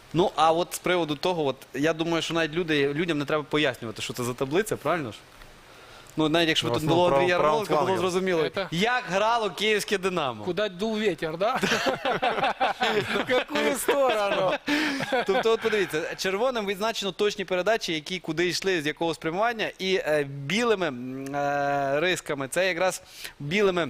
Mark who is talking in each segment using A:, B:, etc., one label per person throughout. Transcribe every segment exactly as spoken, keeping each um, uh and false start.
A: Ну, а от з приводу того, от, я думаю, що навіть люди, людям не треба пояснювати, що це за таблиця, правильно ж? Ну, навіть якщо б
B: Ну,
A: тут було
B: основно
A: Андрія
B: прав- правим
A: Ярмоленко, було
B: флангом.
A: зрозуміло,
C: Это-
A: як грало київське «Динамо».
C: Куда дул ветер, да? В какую сторону?
A: Тобто, от подивіться, червоним відзначено точні передачі, які куди йшли, з якого спрямування, і е, білими м, е, рисками, це якраз білими,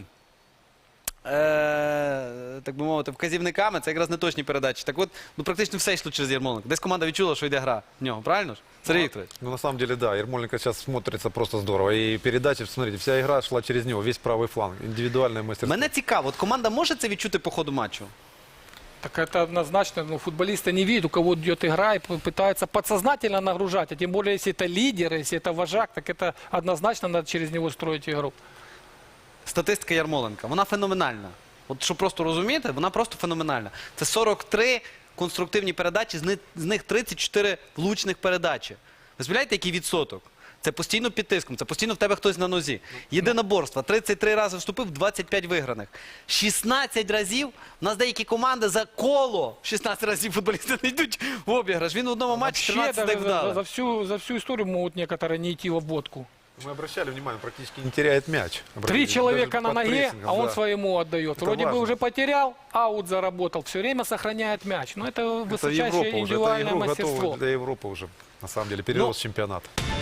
A: е, так би мовити, вказівниками, це якраз неточні передачі. Так от, ну практично все йшло через Ярмоленка. Десь команда відчула, що йде гра в нього, правильно ж? Сергій Вікторович?
B: Ну, на самом деле, да, Ермоленко сейчас смотрится просто здорово. И передачи, смотрите, вся игра шла через него, весь правый фланг. Индивидуальное мастерство.
A: Мене цікаво, от команда може це відчути по ходу матчу?
C: Так это однозначно, ну, футболисты не видят, у кого идет игра, и п- пытаются подсознательно нагружать. А тем более, если это лидер, если это вожак, так это однозначно надо через него строить игру.
A: Статистика Ярмоленка, вона феноменальна. От щоб просто розуміти, вона просто феноменальна. Це сорок три конструктивні передачі, з них, з них тридцять чотири влучних передачі. Ви збираєте, який відсоток? Це постійно під тиском, це постійно в тебе хтось на нозі. Єдиноборство, тридцять три рази вступив, двадцять п'ять виграних. шістнадцять разів, у нас деякі команди за коло, шістнадцять разів футболісти не йдуть в обіграш. Він в одному матчі
C: Вообще,
A: тринадцять
C: даже
A: так
C: за, за
A: вдали.
C: всю, за всю историю могут некоторые не идти в обводку.
B: Мы обращали внимание, практически не теряет мяч.
C: Три
B: Обратили,
C: человека
B: даже
C: на
B: под
C: ноге,
B: прессингом,
C: а он
B: да.
C: своему отдает.
B: Это
C: Вроде бы
B: важно.
C: уже потерял, аут заработал. Все время сохраняет мяч. Но это
B: Это
C: высочайшее
B: Европа уже, это
C: индивидуальное
B: игру
C: мастерство.
B: готова для Европы уже. На самом деле, перерос чемпионат.